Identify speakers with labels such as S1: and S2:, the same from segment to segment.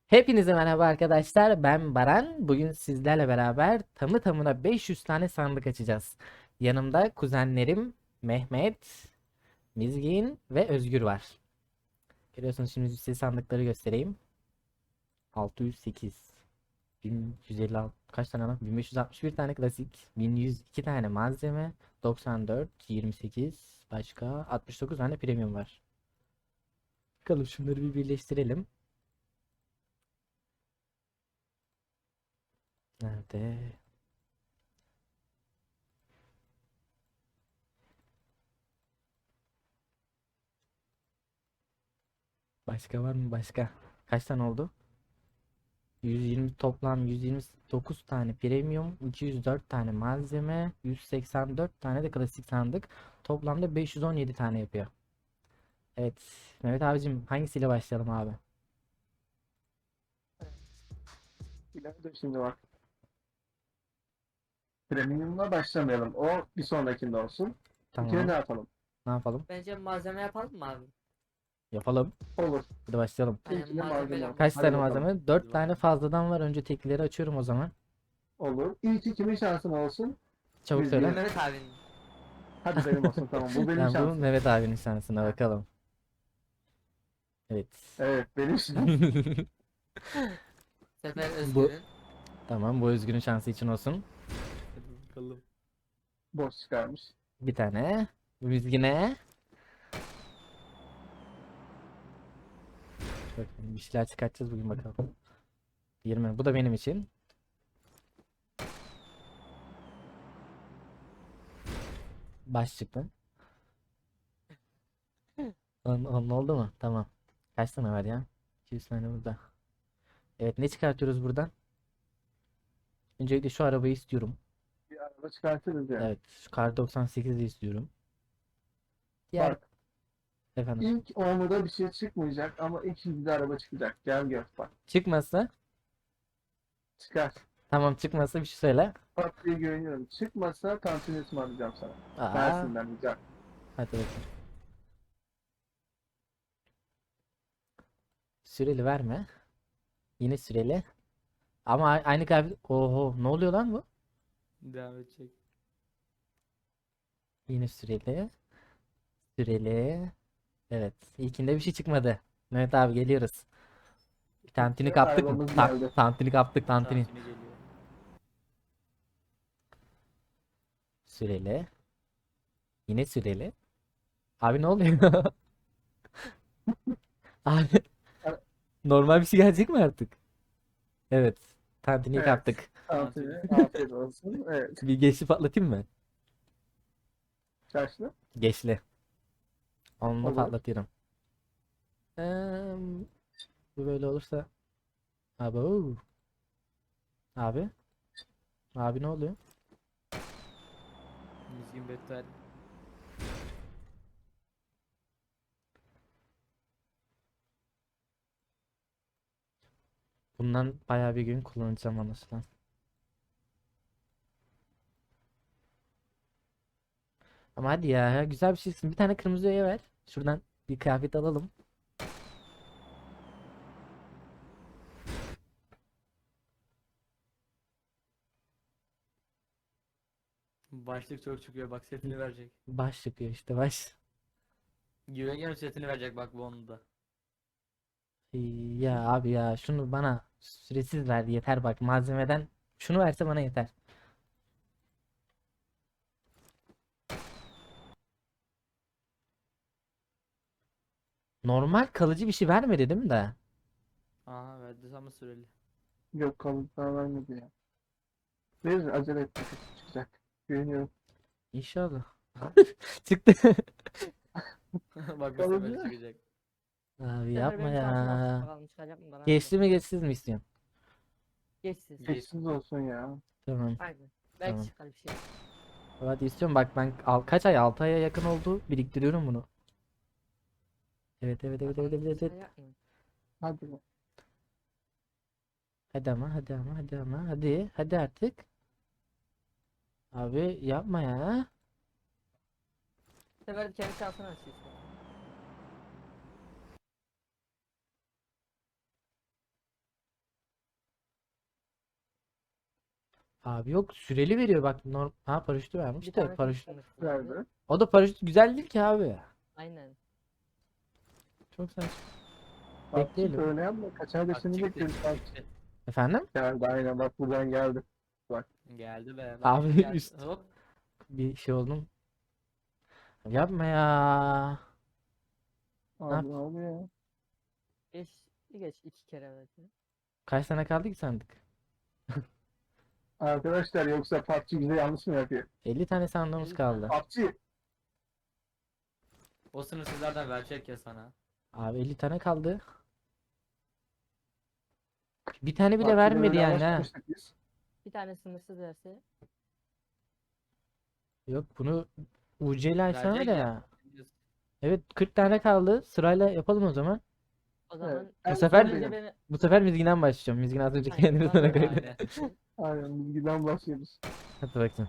S1: Hepinize merhaba arkadaşlar. Ben Baran. Bugün sizlerle beraber tamı tamına 500 tane sandık açacağız. Yanımda kuzenlerim Mehmet, Mizgin ve Özgür var. Görüyorsunuz şimdi size sandıkları göstereyim. 608, 1156, kaç tane lan? 1561 tane klasik, 1102 tane malzeme, 94, 28, başka 69 tane premium var. Bakalım şunları bir birleştirelim. Nerede? Başka var mı başka? Kaç tane oldu? 120 toplam 129 tane premium, 204 tane malzeme, 184 tane de klasik sandık. Toplamda 517 tane yapıyor. Evet. Mehmet abicim hangisiyle başlayalım abi?
S2: İleride şimdi bak. Premium'la başlamayalım. O bir sonrakinde olsun. İkine ne
S1: Tamam.
S2: yapalım?
S1: Ne yapalım?
S3: Bence malzeme yapalım mı abi?
S1: Yapalım.
S2: Olur.
S1: Hadi başlayalım.
S3: Aynen
S2: İlkine malzeme
S3: malzemeyle
S2: olsun.
S1: Kaç
S3: başlayalım.
S2: Hadi
S1: tane
S2: bakalım.
S1: malzeme?
S3: Hadi
S1: 4 tane
S3: bakalım.
S1: fazladan var. Önce tekleri açıyorum o zaman.
S2: Olur. İlk kimin şansın olsun?
S1: Çabuk
S2: Biz bir.
S1: söyle.
S3: Mehmet abinin.
S2: Hadi benim olsun, tamam. Bu benim
S1: Yani bu
S2: şansım.
S1: Mehmet abinin şansına
S3: Ha.
S1: bakalım. Evet.
S2: Evet, benim şansım.
S3: Bu sefer
S1: Bu
S3: Özgür'ün.
S1: tamam, bu Özgür'ün şansı için olsun.
S3: Hadi bakalım.
S2: Boş çıkarmış.
S1: Bir tane. Mizgine. Bakın bir şeyler çıkartacağız bugün bakalım. 20. Bu da benim için. Baş çıktı. Onun oldu mu? Tamam. Kaç tane var ya? 200 tane burada. Evet, ne çıkartıyoruz buradan? Öncelikle şu arabayı istiyorum.
S2: Bir araba çıkartırız yani.
S1: Evet, şu kar 98'i istiyorum. Diğer
S2: Bak,
S1: efendim.
S2: ilk onda bir şey çıkmayacak ama ikinci de araba çıkacak. Gel gör bak.
S1: Çıkmazsa
S2: Çıkar.
S1: tamam, çıkmazsa bir şey söyle.
S2: Bak diye güveniyorum. Çıkmazsa tantuni ısmarlayacağım sana.
S1: Aa,
S2: Mersin'den güzel.
S1: hadi bakayım. Süreli verme. Yine süreli. Ama aynı kıyafet. Oho, ne oluyor lan bu?
S3: Devam edecek.
S1: Yine süreli. Süreli. Evet. İlkinde bir şey çıkmadı. Mehmet abi geliyoruz. Tantini
S2: İşte
S1: kaptık mı?
S2: arabamız geldi.
S1: Tantini kaptık, tantini.
S3: Tantuni geliyor.
S1: Süreli. Yine süreli. Abi ne oluyor? Abi normal bir şey gelecek mi artık? Evet. Tantini
S2: Evet.
S1: kaptık.
S2: Tantuni.
S3: Tantuni.
S2: Afiyet olsun. Evet.
S1: Bir geçli patlatayım mı?
S2: Kaçlı?
S1: Geçli. Onunla
S2: Olur.
S1: patlatıyorum. Eee, bu böyle olursa. Abi. Abi. Abi ne oluyor?
S3: Mizgin Better.
S1: Bundan bayağı bir gün kullanacağım anlaşılan. Ama hadi ya, güzel bir şeysin. Bir tane kırmızı öğe ver. Şuradan bir kıyafet alalım.
S3: Başlık çok çıkıyor bak setini verecek.
S1: Baş çıkıyor işte, baş.
S3: Güveniyorum setini verecek bak bu onu da.
S1: Ya abi ya, şunu bana süresiz ver yeter, bak malzemeden şunu verse bana yeter. Normal kalıcı bir şey vermedi değil mi de?
S3: Aha verdi ama süreli.
S2: Yok, kalıplar vermedi ya. Verir, acele et, çıkacak. Güveniyorum.
S1: İnşallah. Çıktı.
S3: Bak bu sefer
S2: Kalıcı.
S3: çıkacak.
S1: Abi
S4: Bu sefer
S1: yapma
S4: benim şansım olsun.
S1: ya.
S4: Bakalım çıkacak mı bana?
S1: Geçti mi geçsiz mi istiyorsun?
S4: Geçsiz.
S2: Geçsiz olsun ya.
S1: Tamam,
S4: Aynen. Belki
S1: tamam.
S4: çıkar bir şey.
S1: Hadi istiyorum, bak ben kaç ay, 6 aya yakın oldu biriktiriyorum bunu. Evet evet evet evet
S4: Bakalım
S1: evet, evet.
S4: çıkacak mı?
S2: Hadi be.
S1: Hadi ama, hadi ama, hadi ama, hadi hadi artık. Abi yapma ya.
S4: Bu sefer de kendi şansını açıyor işte.
S1: Abi yok, süreli veriyor bak, ha paraşütü vermiş
S4: Bir
S1: de
S4: tane
S1: paraşüt.
S4: sınırsız verdi.
S2: Verdi.
S1: O da paraşüt güzel değil ki abi.
S4: Aynen.
S1: Çok saçma.
S2: PUBG
S1: Bekleyelim.
S2: böyle yapma. Kaçar da
S3: Bak
S2: seni
S3: çıktı.
S2: bekliyoruz. Bak
S3: çıktı.
S1: Efendim?
S2: geldi aynen bak buradan geldi.
S3: Geldi be. Bak
S1: Abi
S3: şimdi geldi.
S1: üst.
S3: Hop.
S1: Bir şey oldum. Yapma ya.
S2: Abi ne oluyor ya?
S4: Geç. Bir geç 2 kere belki.
S1: Kaç tane kaldı ki sandık?
S2: Arkadaşlar yoksa PUBG bize yanlış mı yapıyor?
S1: 50 tane sandığımız
S4: 50
S1: kaldı.
S2: PUBG
S3: O sınırsızlardan verecek ya sana.
S1: Abi 50 tane kaldı. Bir tane bile
S2: PUBG'de
S1: vermedi
S2: öyle
S1: yani ha.
S2: anlaşmıştık biz.
S4: Bir tane sınırsız verse.
S1: Yok, bunu UC ile açsana
S3: Verecek
S1: da
S3: ya.
S1: ya. Evet, 40 tane kaldı. Sırayla yapalım o zaman.
S4: O zaman
S2: En
S1: Bu sefer-
S2: son
S4: önce
S2: benim.
S4: beni
S1: Bu sefer Mizgin'den başlayacağım. Mizgin az önce
S4: Aynen,
S1: kendini sana
S4: bana
S1: koydu.
S3: Aynen.
S2: Aynen bilgiden başlıyoruz.
S1: Hadi bakayım.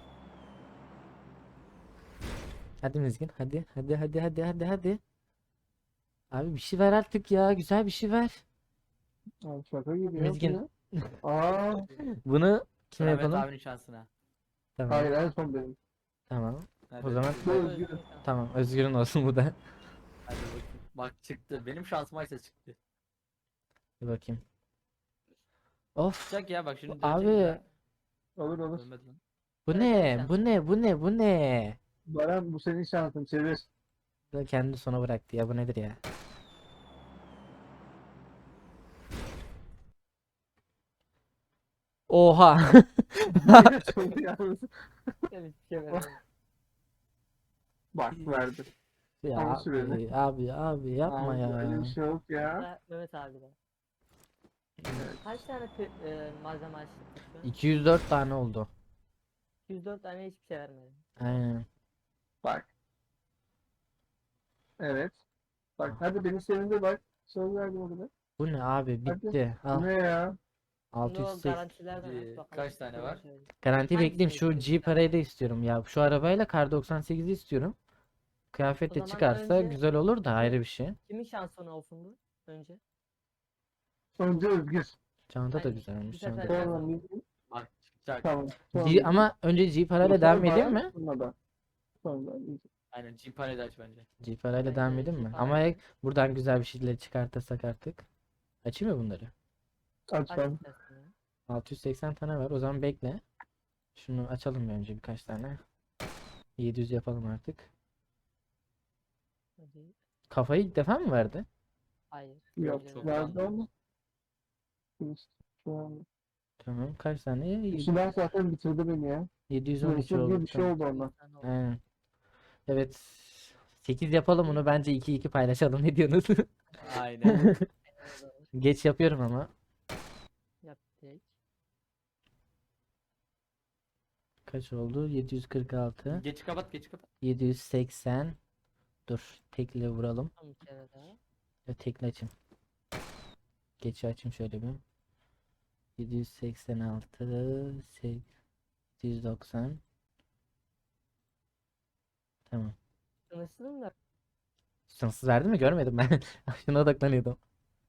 S1: Hadi Mizgin. Hadi. Hadi hadi hadi hadi hadi. Abi bir şey ver artık ya. Güzel bir şey ver.
S2: Abi şaka gibi
S1: Mizgin.
S2: ya. Aa,
S1: Bunu kime
S3: Mehmet
S1: yapalım?
S3: abinin şansına.
S1: Tamam.
S2: hayır en son benim.
S1: Tamam.
S3: Hadi,
S1: O zaman-
S2: Bu
S3: hadi,
S2: özgür.
S1: Tamam. Özgür'ün olsun bu da.
S3: hadi bakayım. Bak çıktı. Benim şansıma ise çıktı.
S1: Bir bakayım. Of.
S3: Çıkacak ya bak şimdi
S1: Abi.
S3: dönecek
S2: Olur
S3: ya.
S2: olur.
S3: Dönmedi lan.
S1: Bu
S4: Evet,
S1: ne?
S4: evet.
S1: Bu ne? Bu ne? Bu ne?
S2: Baran bu senin şansın çevir.
S1: Bu da kendi sona bıraktı ya. Bu nedir ya? Oha.
S2: Çok yalnız.
S4: hiçbir şey vermedi.
S2: Bak verdi.
S1: Ya
S2: Ama süreli.
S1: abi yapma
S2: Abi,
S1: ya.
S2: öyle bir şey yok ya.
S4: Da Mehmet abi de. Kaç tane malzeme açtık şu an?
S1: 204 tane oldu.
S4: 104 tane hiçbir şey vermedi.
S1: Aynen.
S2: Bak. Evet. Bak hadi beni sevindir bak. Söz verdim o kadar.
S1: Bu ne abi?
S2: Hadi.
S1: Bitti.
S2: Bu
S1: Al.
S2: ne ya?
S4: Şimdi o
S1: 680.
S4: garantilerden aç bakalım.
S3: Kaç tane var?
S1: Garanti
S4: Hangisini
S1: bekleyeyim. Şu G
S4: istiyorsun?
S1: parayı da istiyorum ya. Şu arabayla Kar 98'i istiyorum. Kıyafet
S4: O
S1: de
S4: zaman
S1: çıkarsa
S4: önce-
S1: güzel olur da ayrı bir şey.
S4: Kimin şansına olsun bu? Önce.
S2: Önce Özgür.
S1: Çanta da
S4: Aynen.
S1: güzelmiş.
S4: Bir sefer-
S1: Çanta.
S2: Sonra Mizgin.
S3: Bak çıkacak.
S2: Tamam. Sonra
S1: G,
S2: Mizgin.
S1: ama önce G parayla
S2: Sonra
S1: devam edeyim
S2: Baran,
S1: mi?
S2: sonra ben. Sonra Mizgin.
S3: Aynen Cimpane de aç bence.
S1: G parayla
S4: Bence
S1: devam edeyim
S4: G
S1: mi?
S4: parayla.
S1: Ama buradan güzel bir şeyleri çıkartırsak artık. Açayım mı bunları?
S2: Aç
S4: Aç
S2: ben.
S4: istersen ya.
S1: 680 tane var. O zaman bekle. Şunu açalım bir önce birkaç tane. 700 yapalım artık.
S4: Hadi.
S1: Kafayı ilk defa mı verdi?
S4: Hayır.
S2: Yok
S4: Önce
S3: çok
S2: verdi
S3: yanlış.
S2: ama. Şu an.
S1: Tamam. Kaç tane?
S2: Silah zaten bitirdi beni ya.
S1: 712
S2: Sınırsız diye
S1: oldu.
S2: bir şey
S1: Tamam.
S2: oldu ondan.
S4: Sen ol.
S1: Aynen. Evet. 8 yapalım bunu. Bence 2-2 paylaşalım. Ne diyorsunuz?
S3: Aynen.
S1: Geç yapıyorum ama.
S4: Yaptık.
S1: Kaç oldu? 746.
S3: Geç kapat geç kapat.
S1: 780. Dur. Tekle vuralım.
S4: Son bir kere daha.
S1: Ya tekle açayım. Geçi açayım şöyle bir. 786. 890. Tamam.
S4: Sınırsız mı?
S1: Sınırsız verdi mi? Görmedim ben. Şuna odaklanıyordum.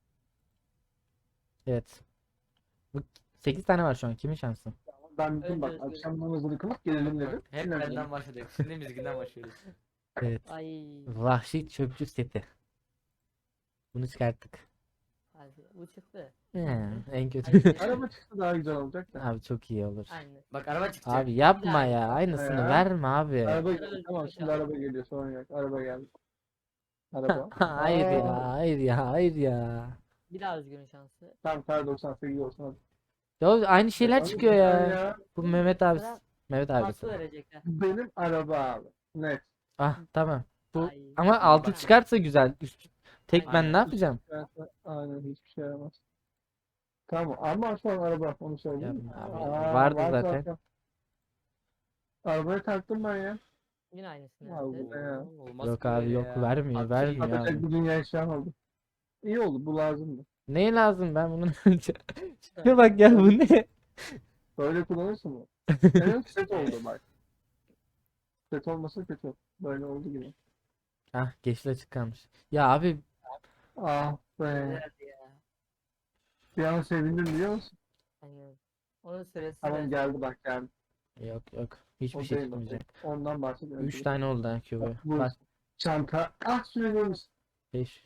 S1: Evet. Bu 8 tane var şu an. Kimin şansı?
S2: Ben dedim
S4: Önce
S2: bak
S4: Özgür.
S2: akşam namazını kılıp gelelim dedim.
S3: Bak, hep
S2: Yine
S3: benden başladık. Şimdi Mizgin'den başlıyoruz.
S1: Evet.
S4: Ay.
S1: Vahşi çöpçü seti. Bunu çıkarttık.
S4: Hadi. Bu çıktı.
S1: En kötü.
S4: Hadi.
S2: araba çıktı daha güzel olacak da.
S1: Abi çok iyi olur.
S4: Aynen.
S3: Bak araba çıkacak.
S1: Abi yapma
S4: daha
S1: ya.
S4: iyi.
S1: Aynısını
S2: Ya.
S1: verme abi.
S2: Araba
S4: Evet.
S2: geliyor. Tamam şimdi
S4: Evet.
S2: araba geliyor sorun yok. Araba geldi. Araba.
S1: Hayır
S2: Aa,
S1: ya. Hayır ya. Hayır ya.
S4: Bir daha Özgür'ün şansı.
S2: Tam kar 98 olsun hadi.
S1: Ya aynı şeyler
S2: Abi
S1: çıkıyor
S2: güzel
S1: ya. Bu Mehmet abi.
S4: Sıra
S1: Mehmet abisi.
S4: Farklı verecekler.
S2: Benim araba abi. Net.
S1: Ah tamam. Bu
S4: Ay.
S1: ama altı
S3: Bak.
S1: çıkarsa güzel. Tek ben
S3: Aynen.
S1: ne yapacağım?
S2: Aynen hiçbir şey yaramaz. Tamam ama şu an araba onu söyleyeyim.
S1: Yapma abi.
S2: Aa,
S1: Vardı
S2: var
S1: zaten.
S2: Arabaya taktım ben ya.
S4: Yine aynısını
S2: Ya bu
S4: yaptı.
S2: ne ya?
S3: Olmaz
S1: Yok
S3: ki
S1: abi
S3: böyle
S1: yok
S3: ya.
S1: vermiyor
S3: PUBG.
S1: vermiyor
S2: Atacak
S1: abi.
S2: bir dünya eşyan oldu. İyi oldu bu lazımdı.
S1: Ne lazım ben bunu Şuna bak ya bu ne?
S2: Böyle kullanırsın mı? Evet set oldu bak. Set olmasa kötü. Böyle oldu gibi.
S1: Ah geçti açık kalmış. Ya abi
S2: Ah be.
S4: Güzeldi ya.
S2: Bir an sevindim biliyor musun?
S4: Aynen. Onun süresi
S2: Tamam
S4: de-
S2: geldi bak geldi.
S1: Yok yok. Hiçbir
S2: O
S1: şey
S2: değil o
S1: çıkmayacak.
S2: değil. Ondan bahsediyorum.
S1: 3 tane oldu ha QB.
S2: Bu
S1: Bak
S2: çanta. Ah sürüyormuş.
S1: 5.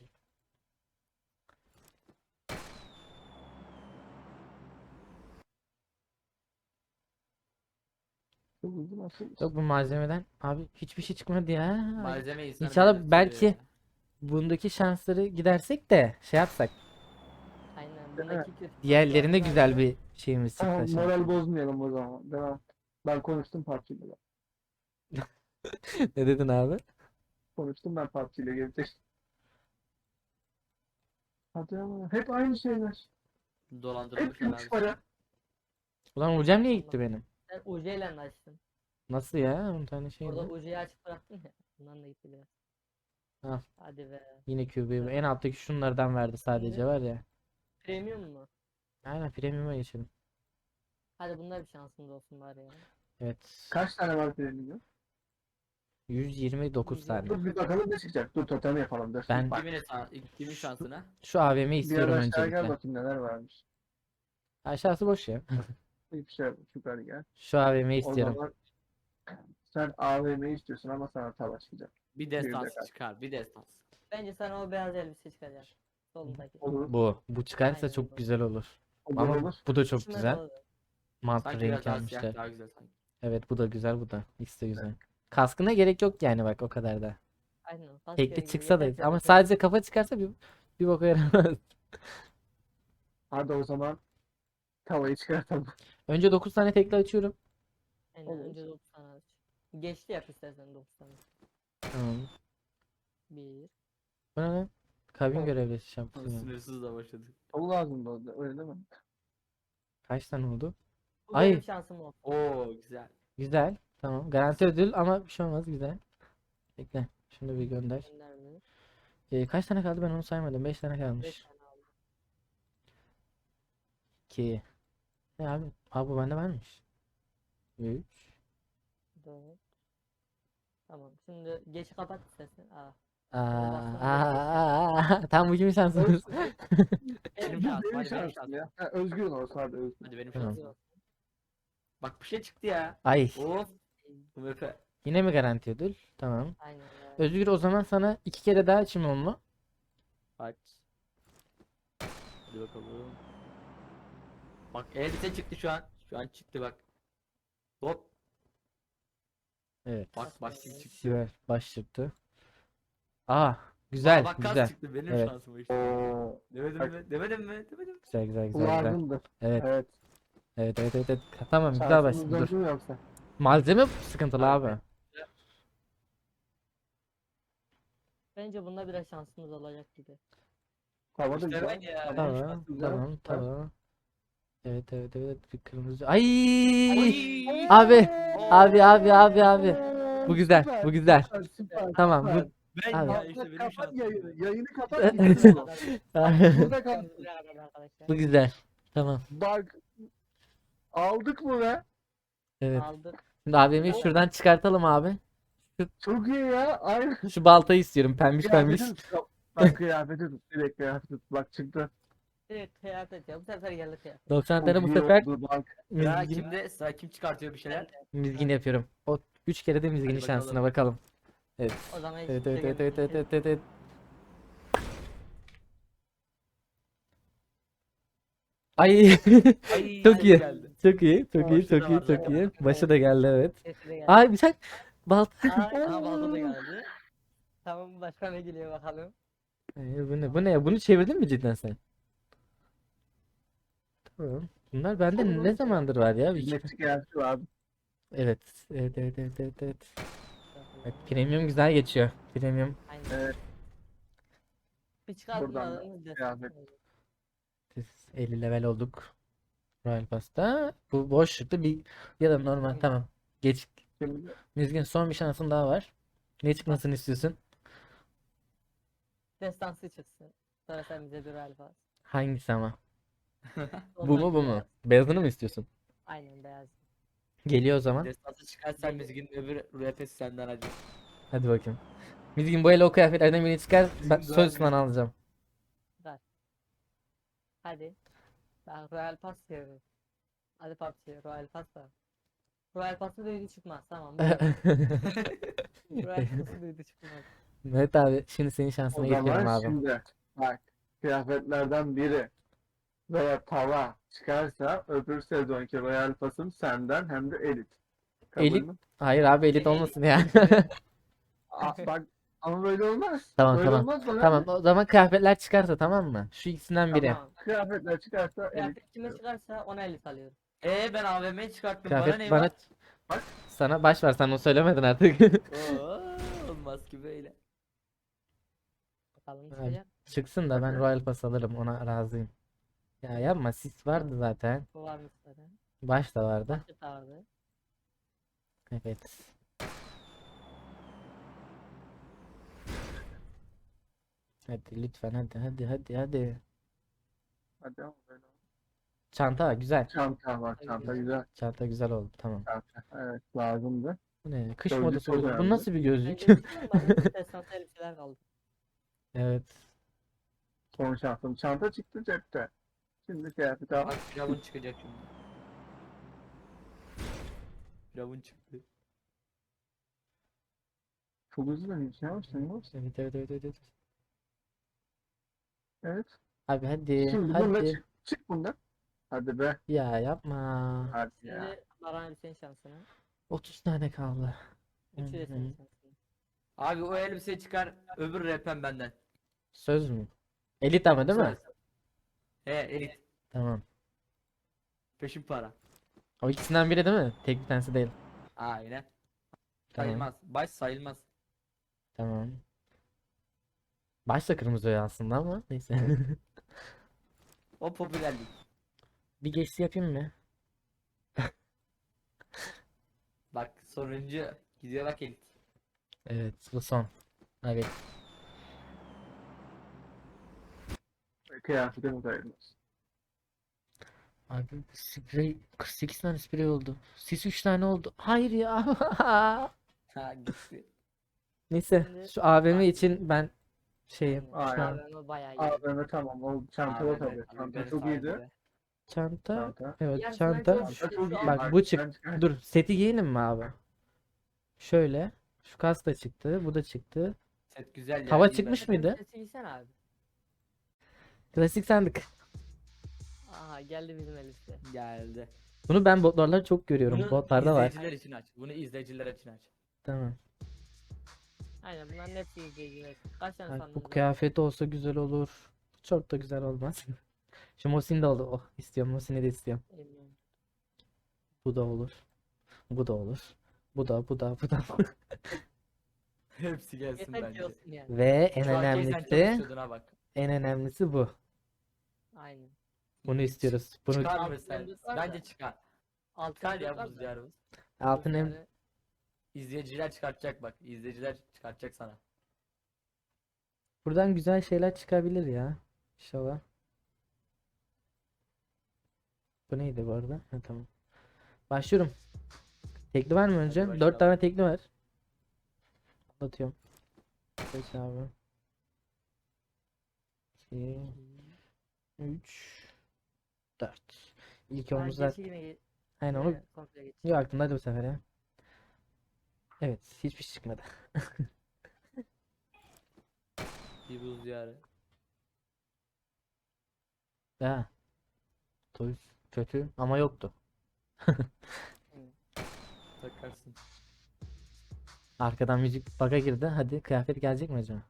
S2: Çok uzun nasıl?
S1: Yok bu malzemeden abi hiçbir şey çıkmadı ya.
S3: Malzeme insanı
S1: İnşallah
S3: belirtiyor
S1: belki
S3: ya.
S1: bundaki şansları gidersek de şey yapsak.
S4: Aynen. Bundaki kötü.
S1: Diğerlerinde güzel bir şeyimiz çıktı.
S2: Tamam
S1: şans.
S2: moral bozmayalım o zaman. Devam. Ben konuştum PUBG'yle.
S1: Ne dedin abi?
S2: Konuştum ben PUBG'yle gelecek. Hadi ama hep aynı şeyler. Hep
S3: Dolandırılmışlar
S2: üç
S3: abi.
S2: para.
S1: Ulan hocam niye gitti benim?
S4: Sen UC ile açtın.
S1: Nasıl ya? 10 tane şey
S4: Orada
S1: mi?
S4: UC'yi açık bıraktın ya. Bundan da gitti biraz.
S1: Al.
S4: Hadi be.
S1: Yine QB'yi en alttaki şunlardan verdi sadece var ya.
S4: Premium mu?
S1: Aynen premium'a geçelim.
S4: Hadi bunlar bir şansımız olsun bari ya.
S1: Evet.
S2: Kaç tane var bilmiyorum.
S1: 129 tane.
S2: Dur bir bakalım ne çıkacak. Dur totem yapalım. Dur.
S1: Ben-
S2: Bak,
S3: Kimin şansına?
S1: Şu AVM'yi
S2: bir
S1: istiyorum
S2: ara aşağı gel
S1: öncelikle.
S2: bakayım neler varmış.
S1: Aşağısı boş ya.
S2: Hiçbir şey yok. Yukarı gel.
S1: Şu AVM'yi
S2: O
S1: istiyorum.
S2: zaman sen AVM'yi istiyorsun ama sana tava çıkacak.
S3: Bir
S2: dakika.
S3: destansı çıkar. Bir destans.
S4: Bence sana o beyaz elbise çıkacak. Solundaki.
S2: Olur.
S1: Bu çıkarsa
S4: Aynen
S1: çok
S4: bu.
S1: güzel olur.
S2: Olur
S1: Ama
S2: olur.
S1: bu da çok
S4: İçime
S1: güzel.
S4: doğdu.
S1: Mat
S3: Sanki
S1: renk
S3: biraz daha siyah
S1: almışlar.
S3: daha güzel sanki.
S1: Evet bu da güzel bu da. İkisi de güzel. Kaskına gerek yok yani bak o kadar da.
S4: Aynen. Askeri
S1: Tekli
S4: gibi
S1: çıksa da
S4: yeter ki
S1: ama
S4: bakın.
S1: sadece kafa çıkarsa bir boka yaramaz.
S2: Hadi o zaman tavayı çıkartalım.
S1: Önce 9 tane tekli açıyorum.
S4: Aynen.
S2: Olur.
S4: Önce 9 tane aç. Geçti yap istersen 9 tane.
S1: Tamam.
S4: 1.
S1: Bu ne lan? Kabin
S2: Tamam.
S1: görevlisi şampiyon.
S3: Sınırsız da başladı.
S2: Tavu lazım da orada, öyle değil mi?
S1: Kaç tane oldu?
S4: Bu
S1: Ay.
S4: benim şansım oldu.
S3: Oo güzel.
S1: Güzel. Tamam. Garanti ödül ama bir şey olmaz. Güzel. Bekle. Şunu bir gönder.
S4: Gönder mi?
S1: Kaç tane kaldı ben onu saymadım. 5 tane
S4: 5
S1: kalmış.
S4: tane aldım.
S1: 2. Ne abi? Abi bu bende varmış. 3.
S4: 4. Tamam. Şimdi geç kapat istersen. Aa.
S1: Tam bu kimin şansımız?
S3: Benim şansım.
S2: Benim
S3: Hadi benim
S2: şansım
S3: şansım.
S2: ya. Ha, Özgür'ün olsa hadi Özgür.
S3: Hadi benim
S1: Tamam.
S3: şansım. Bak bir şey çıktı ya.
S1: Ay.
S3: Of. UMP.
S1: Yine mi garanti ödül? Tamam.
S4: Aynen öyle.
S1: Özgür o zaman sana 2 kere daha açayım onu.
S3: Aç. Hadi bakalım. Bak elbise çıktı şu an. Şu an çıktı bak. Hop.
S1: Evet.
S3: Bak başlık çıktı.
S1: Güzel. Baş çıktı. Güzel.
S3: Bak kas
S1: Güzel.
S3: çıktı benim
S1: Evet.
S3: şansım işte.
S2: Oo,
S3: Demedim
S2: Bak.
S3: mi? Demedim mi? Demedim mi?
S1: Güzel güzel
S2: bu
S1: güzel güzel.
S2: lazımdı.
S1: Evet.
S2: Evet.
S1: Evet. Tamam güzel
S2: Şansımız
S1: başladı. Dur.
S2: döndü mü yoksa?
S1: Malzeme sıkıntılı abi.
S4: Bence bunda biraz şansımız olacak gibi.
S2: Tava da
S3: İşte
S2: güzel.
S3: ben ya.
S2: Tamam.
S1: Tamam.
S2: şanslı, güzel.
S1: Tamam. Evet. Bir kırmızı. Ay!
S3: Ay!
S1: Abi.
S3: Oo!
S1: Abi. Bu güzel.
S2: Süper,
S1: Bu güzel.
S2: süper.
S1: Tamam
S2: süper.
S1: bu
S3: Ben
S1: Abi.
S3: ya işte
S2: Kapat,
S3: benim
S2: kapat
S3: şansım.
S2: yayını. Yayını kapat. gitsin oğlum. Burada kal.
S4: Buraya kadar arkadaşlar.
S1: bu güzel. Tamam.
S2: Bak. Aldık mı be?
S1: Evet.
S4: Aldık.
S1: Şimdi abimi şuradan çıkartalım abi.
S2: Çok iyi ya. Aynı.
S1: Şu baltayı istiyorum pembiş.
S2: Kıyafeti tut. Bak kıyafeti tut. Direkt kıyafeti tut. Bak çıktı.
S4: Direkt kıyafet ya. Bu sefer geldi kıyafet.
S1: 90 tane
S2: Çok
S1: bu
S2: iyi
S1: sefer
S2: oldu bak.
S3: Ya
S1: mizgin,
S3: kimde? Sıra kim çıkartıyor bir şeyler?
S1: mizgin yapıyorum. O 3 kere de mizginin
S3: Hadi
S1: şansına bakalım.
S4: O zaman hiç
S1: Evet.
S4: kimse gelmedi.
S1: Ay
S3: Ay,
S1: çok
S3: hadi
S1: iyi.
S3: geldi.
S1: Çok iyi. Çok iyi. Başı da geldi evet.
S4: Sesi de geldi.
S1: Ay bıçak. Balta.
S4: Aha balta da geldi. Tamam başka ne geliyor bakalım.
S1: Bu ne ya? Bunu çevirdin mi cidden sen? Tamam. Bunlar bende ne zamandır var ya?
S2: Hizmetçi kıyafeti var.
S1: Evet. Evet, premium güzel geçiyor. Premium.
S4: Aynen.
S2: Evet.
S4: Bir çıkartın
S2: Buradan da
S4: alalım.
S2: kıyafet.
S1: 50 level olduk. Royal Pass'ta. Bu boş çıktı. Ya da normal tamam. Geç.
S2: Şimdi
S1: Mizgin son bir şansın daha var. Ne çıkmasını istiyorsun?
S4: Destansı çıksın. Sonra sen bize bir alfa.
S1: Hangisi ama? Bu mu? Beyazını mı istiyorsun?
S4: Aynen beyaz.
S1: Geliyor o zaman.
S3: Destansı çıkarsan Mizgin öbür RP'si senden hadi.
S1: Hadi bakayım. Mizgin bu el o kıyafetlerden birini çıkar. Ben
S3: Mizgin
S1: söz
S3: daha
S1: sana alacağım.
S4: Hadi. Ben Royal Pass seviyorum. Hadi PUBG, Royal Pass da. Royal Pass'ı duydu çıkmaz. Tamam. Royal Pass'ı duydu çıkmaz.
S1: Mehmet abi şimdi senin şansına
S2: O
S1: geçiyorum
S2: zaman
S1: abi.
S2: şimdi bak, kıyafetlerden biri veya tava çıkarsa öbür sezonki Royal Pass'ım senden hem de elit. Kabul
S1: Elit.
S2: mü?
S1: Hayır abi elit
S3: Şey,
S1: olmasın ya.
S2: Bak ama böyle olmaz.
S1: Tamam
S2: Böyle
S1: tamam.
S2: olmaz bana.
S1: Tamam o zaman kıyafetler çıkarsa tamam mı? Şu ikisinden biri.
S4: Tamam.
S2: Kıyafetler çıkarsa elit.
S4: Kıyafet kime çıkarsa ona 50 alıyorum.
S3: ben AVM'yi çıkarttım.
S1: Kıyafet
S3: Bana ne
S1: bana
S3: var?
S2: Bak.
S1: baş ver sen onu söylemedin artık.
S3: Oo, olmaz ki böyle.
S4: Bakalım
S1: Abi,
S4: çıkacak.
S1: çıksın da ben
S2: Hadi.
S1: Royal Pass alırım ona razıyım. Ya yapma sis vardı zaten.
S4: Bu varmış zaten.
S1: Baş da vardı.
S4: Başlık da vardı.
S1: Evet. Hadi lütfen hadi.
S2: Hadi ama böyle olmaz.
S1: Çanta güzel.
S2: Çanta var. Çanta güzel.
S1: Çanta güzel oldu tamam.
S2: Çanta. Evet, lazımdı.
S1: Bu ne? Kış
S2: Gözlük
S1: modası
S2: çok
S1: bu. Bu
S2: önemli.
S1: nasıl bir gözlük?
S4: Bence çıkıyor mu? Bende destansı elbiseler kaldı.
S1: Evet.
S2: Son şansım. Çanta çıktı cepte. Şimdi kıyafet al.
S3: Bak Firavun çıkacak şimdi. Firavun çıktı.
S2: Çok hızlı dönüyorsun ya. Sen ne yapıyorsun?
S1: Evet.
S2: Evet.
S1: Abi hadi
S2: Şimdi bununla
S1: hadi.
S2: çık. Çık bundan. Hadi be.
S1: Ya yapma.
S2: Hadi ya.
S4: Şimdi Baran abi senin şansına.
S1: 30 tane kaldı.
S4: Üçü de senin
S1: Hı.
S4: şansına.
S3: Abi o elbise çıkar, öbür rapen benden.
S1: Söz mü? Elit ama değil mi?
S3: Söz. Elit.
S1: Tamam.
S3: Peşin para.
S1: O ikisinden biri değil mi? Tek bir tanesi değil.
S3: Aynen.
S1: Tamam.
S3: Sayılmaz. Baş sayılmaz.
S1: Tamam. Baş da kırmızı ya aslında ama neyse.
S3: O popülerlik.
S1: Bir geçti yapayım mı?
S3: Bak sonuncu gidiyor bak elit.
S1: Evet bu son. Evet.
S2: Kıyafetimi sayılmaz.
S1: Abi bu sprey 48 tane sprey oldu. Sis 3 tane oldu. Hayır ya.
S3: Ha gitti.
S1: Neyse
S4: Şimdi
S1: şu AVM
S4: bak-
S1: için ben şeyim
S4: Aynen.
S1: şu an.
S4: AVM bayağı iyi.
S2: AVM tamam. O çantada
S3: AVM
S2: tabii.
S3: tabii,
S2: Çanta
S3: beni
S2: çok iyiydi.
S3: sayesinde.
S1: Çanta.
S2: Çanta.
S1: Evet
S4: Yarısından
S1: çanta.
S4: çok
S2: Çanta çok iyi.
S1: Bak bu çık.
S2: ben çıkar-
S1: Dur seti giyelim mi abi? Şöyle. Şu kas da çıktı. Bu da çıktı.
S3: Set güzel ya.
S1: Tava
S3: iyi
S1: çıkmış
S3: bence.
S1: mıydı?
S4: Sesi giysen abi.
S1: Klasik sandık.
S4: Aha geldi bizim elbise.
S3: Geldi.
S1: Bunu ben botlarda çok görüyorum.
S3: Bunu
S1: Botlarda var.
S3: izleyiciler için aç. Bunu izleyiciler için aç.
S1: Tamam.
S4: Aynen bunların hepsi izleyiciler. Kaç tane
S1: Bak,
S4: sandın?
S1: bu kıyafet olsa güzel olur. Çok da güzel olmaz. Şu Mosin de oldu. Oh istiyorum. Mosin'i de istiyorum.
S4: Bilmiyorum.
S1: Bu da olur. Bu da olur. Bu da.
S3: Hepsi gelsin
S4: Yeter ki
S3: bence.
S4: olsun yani.
S1: Ve en
S3: Şu an Keysen
S1: önemlisi,
S3: çalışıyordun ha bak.
S1: en önemlisi bu.
S4: Aynen.
S1: Bunu istiyoruz. Bunu
S3: Çıkar mı
S4: Altın
S3: sen?
S4: yıldız var da.
S3: Bence çıkar.
S4: Altı
S3: Çıkar ya
S4: yıldızlar
S3: buz
S4: da.
S3: diyarımız.
S1: altın em
S4: Yani
S3: İzleyiciler çıkartacak bak. İzleyiciler çıkartacak sana.
S1: buradan güzel şeyler çıkabilir ya. İnşallah. Bu neydi bu arada? Ha, tamam. Başlıyorum. Tekli var mı önce?
S3: başla
S1: 4
S3: abi.
S1: tane tekli var. Atıyorum. Geç abi. 2 3 4. İlk
S4: ben
S1: omuzlar.
S4: geçi yine
S1: Aynen onu
S4: komple geç.
S1: yok aklımda hadi bu sefer ya. Evet, hiçbir şey çıkmadı.
S3: Bir buz diyarı.
S1: Ha. Toys kötü ama yoktu.
S3: Takarsın.
S1: Arkadan müzik bug'a girdi. Hadi kıyafet gelecek mi acaba?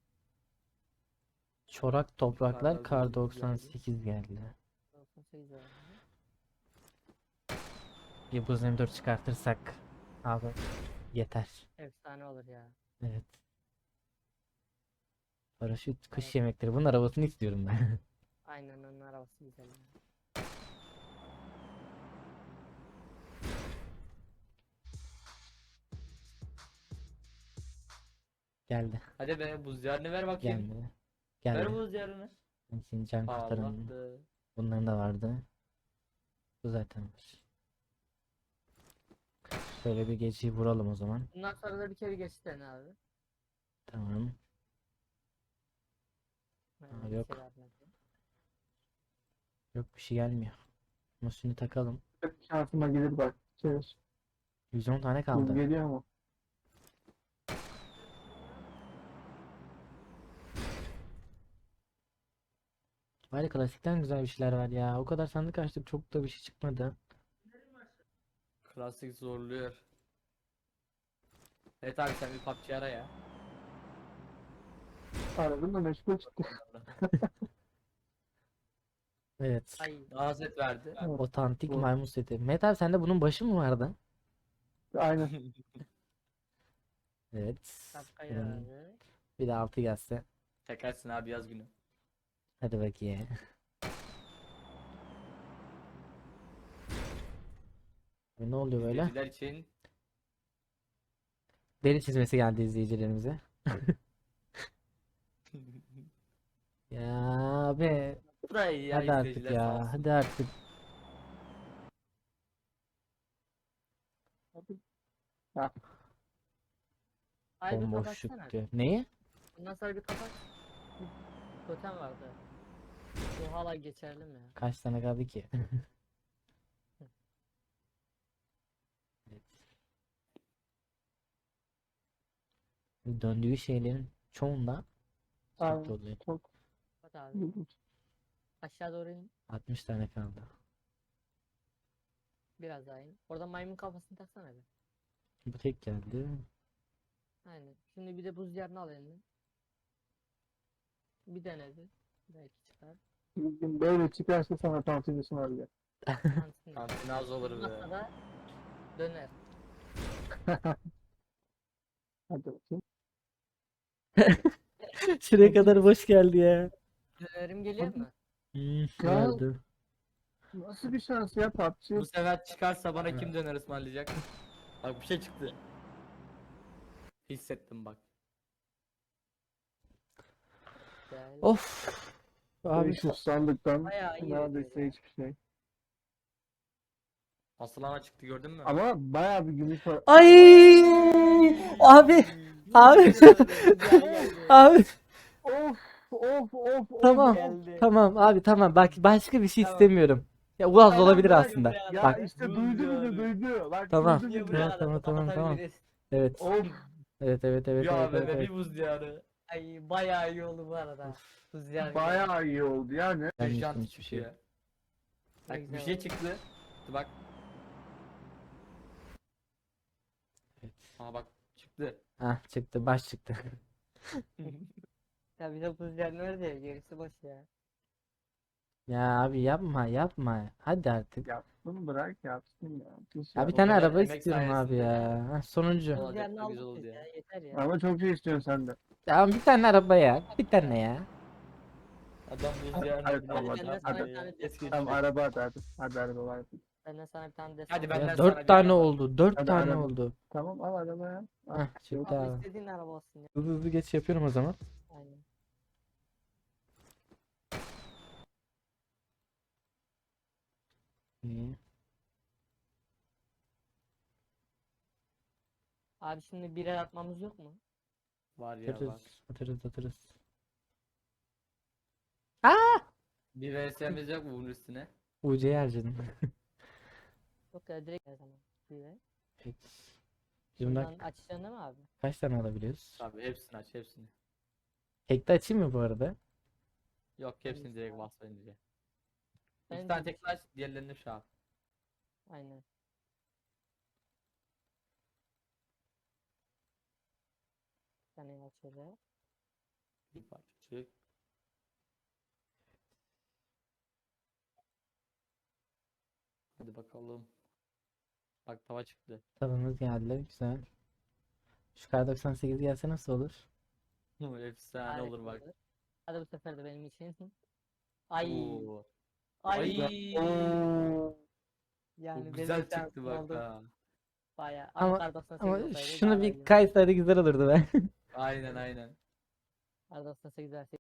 S1: Çorak topraklar
S3: Karlar
S1: kar
S3: bozuldu geldi.
S1: 98 geldi.
S4: 98 var.
S1: Bir buz M4 çıkartırsak abi yeter.
S4: Efsane olur ya.
S1: Evet. Paraşüt kış yemekleri. Bunun arabasını istiyorum ben.
S4: Aynen onun arabası güzel. Ya.
S1: Geldi.
S3: Hadi be buz diyarını ver bakayım.
S1: Geldi.
S3: Ver
S1: Geldi.
S3: buz diyarını.
S1: Ben şimdi can kurtaran.
S3: Allah'tı.
S1: Bunların da vardı. Bu zaten var. Şöyle bir geceyi vuralım o zaman.
S4: Bundan sonra da bir kere geçti abi.
S1: Tamam.
S4: Aynen,
S1: Aa,
S4: bir
S1: yok.
S4: kere abi.
S1: Yok bir şey gelmiyor. Ama şunu takalım.
S2: Şansıma gelir bak. Şey,
S1: 110 tane
S2: buz
S1: kaldı.
S2: geliyor mu?
S1: Bari klasikten güzel bir şeyler var ya. O kadar sandık açtık, çok da bir şey çıkmadı.
S3: Klasik zorluyor. Evet abi sen bir PUBG ara ya.
S2: Aradım da meşgul çıktı.
S1: Evet.
S4: Ay
S3: Daha set verdi.
S2: Evet,
S1: Otantik
S2: bu.
S1: maymun seti. Mehmet abi sende bunun başı mı vardı?
S2: Aynen.
S1: Evet.
S4: şapka
S1: Bunun
S4: abi.
S1: bir de 6 gelse.
S3: Çekersin abi yaz günü.
S1: Hadi bakayım. Ne oluyor böyle?
S3: İzleyiciler için
S1: Deri çizmesi geldi izleyicilerimize. Ya abi.
S3: bu da iyi ya,
S1: Hadi artık
S3: izleyiciler sağ
S1: ya.
S3: olsun.
S1: Hadi artık.
S2: Ha,
S4: Ay bir
S1: Bomboş
S4: kapatsana.
S1: çıktı. Neyi?
S4: Bundan sonra bir kapat. Bir totem vardı. Bu hala geçerli mi ya?
S1: Kaç tane kaldı ki? Evet. Döndüğü şeylerin çoğunda
S2: aynen.
S1: sıkıntı oluyor.
S2: Çok
S4: Kapat abi.
S2: ilginç.
S4: Aşağı doğru in.
S1: 60 tane kaldı.
S4: Biraz daha in. Orada maymun kafasını taksana bir.
S1: Bu tek geldi.
S4: Aynen. Şimdi bir de buz diyarını al eline. Bir denedi. Belki çıkar.
S2: Bir gün böyle çıkarsa sana tansiyon var.
S4: Şansın yok.
S3: Kantine az olur be.
S4: Olmazsa da döner.
S2: Hadi bakayım.
S1: Şuraya kadar boş geldi ya.
S4: Dönerim geliyor mu?
S1: Geldi.
S2: Nasıl bir şans ya PUBG?
S3: Bu sefer çıkarsa bana kim döner ısmarlayacak? Bak bir şey çıktı. Hissettim bak.
S4: Gel.
S1: Of. Abi
S2: 500 sandıktan
S4: Bayağı iyi
S2: neredeyse
S4: ödüyor ya.
S2: hiçbir şey.
S3: Asıl ana çıktı gördün mü?
S2: Ama bayağı bir gümüş var.
S1: ay abi abi abi
S2: Of of of of.
S1: tamam
S4: Geldi.
S1: tamam abi tamam bak başka bir şey
S4: Tamam.
S1: istemiyorum. Ya Uaz
S4: Aynen,
S1: olabilir
S4: bırak
S1: aslında.
S4: buraya
S2: Ya
S1: Bak
S2: işte
S3: buz
S2: duydu
S3: yani.
S2: bizi duydu. Bak
S1: Tamam.
S2: duydu
S4: Niye
S2: bizi.
S4: buraya
S1: Tamam,
S4: kadar
S1: tamam, tamam.
S4: kapatabiliriz?
S1: evet
S2: Of.
S1: evet evet evet
S3: Ya
S1: evet evet,
S3: bebe
S1: evet.
S3: bir buz diyarı.
S4: Ay bayağı iyi oldu bu arada. Buz diyarı geldi.
S2: Bayağı iyi oldu yani.
S1: Ben
S3: Bir
S1: yuttum
S3: şans
S1: hiçbir şey.
S3: çıkıyor.
S4: Ne
S3: Bak bir
S4: güzel
S3: şey
S4: oldu.
S3: çıktı. Bak.
S1: Evet.
S3: Aa bak çıktı.
S1: Ah çıktı baş çıktı.
S4: Ya bize buz diyarı nerede ya? Gerisi boş ya.
S1: Ya abi yapma yapma. Hadi artık.
S2: Ya bunu bırak yapsın ya. Pis
S1: Ya bir
S2: ya.
S1: tane
S3: kadar
S1: araba
S3: emek
S1: istiyorum abi
S3: sayesinde
S1: ya. Hah, sonuncu.
S3: Olacak
S4: Buz diyarını
S3: da güzel
S4: aldık
S3: oldu
S4: biz
S3: ya.
S4: ya. Yeter ya.
S2: Ama çok şey istiyorsun sen de.
S1: Tamam bir tane araba ya. Bir tane ya.
S3: Adam buz
S2: Hadi,
S3: diyarına
S2: hadi,
S3: biniyor.
S2: hadi,
S3: Ne yapıyor
S2: hadi.
S3: ya? Es
S2: Tamam
S3: geçiyor.
S2: araba hadi. Hadi araba var.
S4: Benden sana bir tane destek.
S3: Hadi
S1: Ya
S3: benden sana
S1: 4
S3: bir
S1: tane
S3: araba.
S1: oldu. 4
S2: Hadi
S1: tane
S2: araba.
S1: oldu.
S2: Tamam al arabaya. Al.
S1: Hah çıktı
S4: Abi
S1: abi.
S4: istediğin araba olsun ya.
S1: Hızlı hızlı geç yapıyorum o zaman.
S4: Aynen.
S1: İyi.
S4: Abi şimdi birer atmamız yok mu?
S3: Var ya var.
S1: Atarız. Atarız atarız.
S3: Bir VS'miz yok mu bunun üstüne?
S1: UC'yi harcadım.
S4: Yok ya direkt her zaman. Birer.
S1: Evet. Şimdi
S4: Bundan
S1: bak
S4: açacaksın değil mi abi?
S1: kaç tane alabiliyoruz?
S3: Tabii hepsini aç hepsini.
S1: Tekte açayım mı bu arada?
S3: Yok hepsini direkt bas bence.
S4: Bence
S3: İki tane
S4: de.
S3: tek aç diğerlerini şu an.
S4: Aynen. Bir tane aç şöyle.
S3: Bir parçacık. Hadi bakalım. Bak tava çıktı.
S1: Tavamız geldi. Güzel. Şu kar 98 gelse nasıl olur?
S3: Efsane
S4: Harika
S3: olur bak.
S4: Hadi bu sefer de benim için. Ay.
S3: Oo.
S4: Ay.
S3: Ay.
S2: Oo.
S4: Yani
S3: Bu
S4: benim
S3: güzel çıktı
S4: şansım
S3: bak
S4: oldu.
S3: ha.
S4: Bayağı.
S1: Ama-
S4: Ama kar 98
S1: Ama
S4: olsaydı
S1: şunu
S4: daha
S1: bir
S4: iyi.
S1: kaysaydı güzel olurdu be.
S3: Aynen aynen.
S4: Kar 98 verseydi